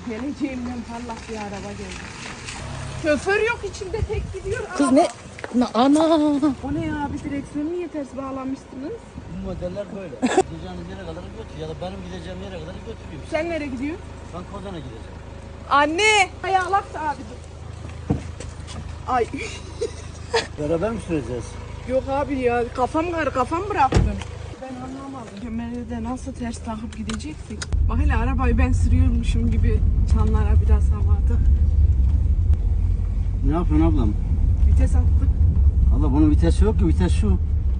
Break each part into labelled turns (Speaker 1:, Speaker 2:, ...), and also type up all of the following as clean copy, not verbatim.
Speaker 1: Geleceğimden parlak bir araba geldi. Şoför yok içinde, tek gidiyor.
Speaker 2: Kız
Speaker 1: araba.
Speaker 2: ne? Ana.
Speaker 1: O ne ya abi, direksiyonu niye ters bağlamıştınız?
Speaker 3: Bu modeller böyle. Gideceğiniz yere kadar götür ya da benim gideceğim yere kadar götüreyim.
Speaker 1: Sen nereye gidiyorsun?
Speaker 3: Ben Kozan'a gideceğim.
Speaker 1: Anne! Ayağlak da abi dur. Ay.
Speaker 3: Beraber mi süreceğiz?
Speaker 1: Yok abi ya, kafam bıraktım. Ben anlamadım. Kemerleri de nasıl ters takıp gideceksek. Bak hele arabayı ben sürüyormuşum gibi çanlara biraz havada.
Speaker 3: Ne yapıyorsun ablam?
Speaker 1: Vites attık.
Speaker 3: Allah bunun vitesi yok ki, vites şu.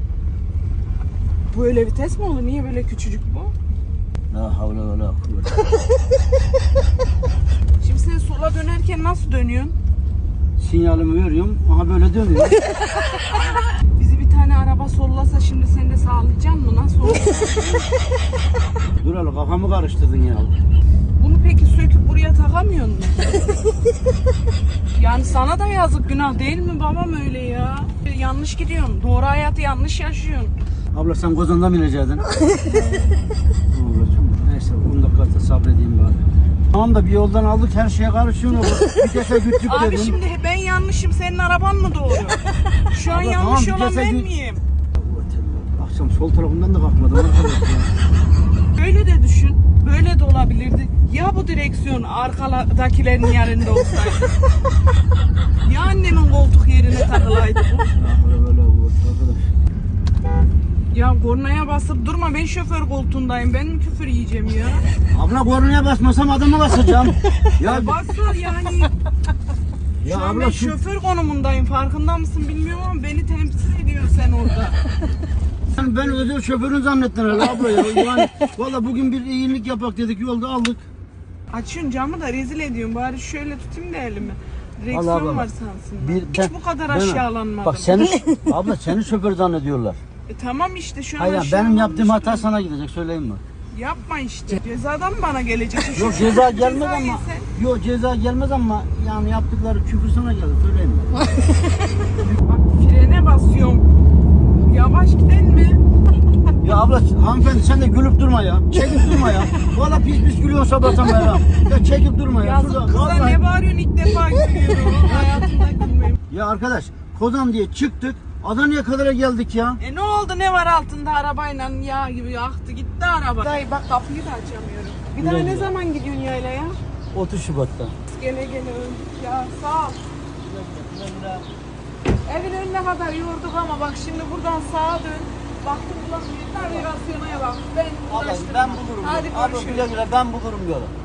Speaker 1: Böyle vites mi olur? Niye böyle küçücük bu?
Speaker 3: La havle ve la kuvvete.
Speaker 1: Şimdi sen sola dönerken nasıl dönüyorsun?
Speaker 3: Sinyalimi veriyorum, aha böyle dönüyor.
Speaker 1: Bizi bir tane araba sollasa şimdi sen de sağlayacaksın mı? Nasıl olur?
Speaker 3: Dur hele kafamı karıştırdın ya.
Speaker 1: Bunu peki söküp buraya takamıyor musun? Yani sana da yazık, günah değil mi babam öyle ya? Yanlış gidiyorsun. Doğru hayatı yanlış yaşıyorsun.
Speaker 3: Abla sen Kozan'da mı inecektin? Neyse 10 dakika sabredeyim bari. Tamam da bir yoldan aldık, her şeye karışıyorsun. Vitese güttük
Speaker 1: Abi
Speaker 3: dedin.
Speaker 1: şimdi ben yanlışım, senin araban mı doğru? Şu an
Speaker 3: Abla,
Speaker 1: yanlış
Speaker 3: tamam,
Speaker 1: olan
Speaker 3: vitese
Speaker 1: ben
Speaker 3: gü-
Speaker 1: miyim?
Speaker 3: Akşam sol tarafından da kalkmadım arkadaş ya.
Speaker 1: Böyle de düşün. Böyle de olabilirdi. Ya bu direksiyon arkadakilerin yerinde olsaydı? Ya annemin koltuk yerine takılaydı bu?
Speaker 3: Böyle arkadaş.
Speaker 1: Ya kornaya basıp durma, ben şoför koltuğundayım. Ben mi küfür yiyeceğim ya?
Speaker 3: Abla kornaya basmasam adamı basacağım. Ya
Speaker 1: Basar yani.
Speaker 3: Ya
Speaker 1: Şu an
Speaker 3: abla
Speaker 1: ben
Speaker 3: şu-
Speaker 1: şoför konumundayım. Farkında mısın bilmiyorum ama beni temsil ediyorsun sen orada.
Speaker 3: ben özel şoförün zannettin herhalde abla ya. Yani valla bugün bir iyilik yapak dedik, yolda aldık.
Speaker 1: Açıyorsun camı da rezil ediyorsun. Bari şöyle tutayım da elimi.
Speaker 3: Allah
Speaker 1: Direksiyon
Speaker 3: Allah.
Speaker 1: var sansın.
Speaker 3: Bir-
Speaker 1: Hiç bu kadar aşağılanmadım.
Speaker 3: Bak seni abla seni şoför zannediyorlar.
Speaker 1: Tamam işte şu an
Speaker 3: Hayır benim
Speaker 1: aşağılanmış
Speaker 3: yaptığım hata
Speaker 1: durumda.
Speaker 3: sana gidecek, söyleyeyim mi?
Speaker 1: Yapma işte. Cezadan mı bana gelecek? Şu
Speaker 3: Yok ceza gelmez
Speaker 1: ceza
Speaker 3: ama.
Speaker 1: yesen.
Speaker 3: Yok ceza gelmez ama yani yaptıkları küfür sana gelir, söyleyeyim mi?
Speaker 1: Bak frene basıyorum. Yavaş giden mi?
Speaker 3: Ya abla hanımefendi sen de gülüp durma ya. Çekip durma ya. Valla pis pis gülüyorsun sabahtan beri ha. Ya çekip durma ya.
Speaker 1: Yazık
Speaker 3: Şurada,
Speaker 1: kıza
Speaker 3: vallahi-
Speaker 1: ne bağırıyorsun, ilk defa görüyorum. Hayatımda gülmeyim.
Speaker 3: Ya arkadaş Kozan diye çıktık. Adana'ya kadar geldik ya.
Speaker 1: Ne oldu, ne var altında arabayla yağ gibi aktı gitti araba. Dayı bak kapıyı da açamıyorum. Bir daha
Speaker 3: Güle
Speaker 1: ne
Speaker 3: güle.
Speaker 1: zaman gidiyorsun yaylaya?
Speaker 3: 30 Şubat'ta.
Speaker 1: Gele öldük ya, sağ ol. Evin önüne kadar yorduk ama bak şimdi buradan sağa dön. Baktım ulan bir navigasyona bak. Ben
Speaker 3: Abla
Speaker 1: uğraştırma.
Speaker 3: ben bulurum.
Speaker 1: Hadi
Speaker 3: Abla
Speaker 1: görüşürüz.
Speaker 3: güle güle ben bulurum yolu.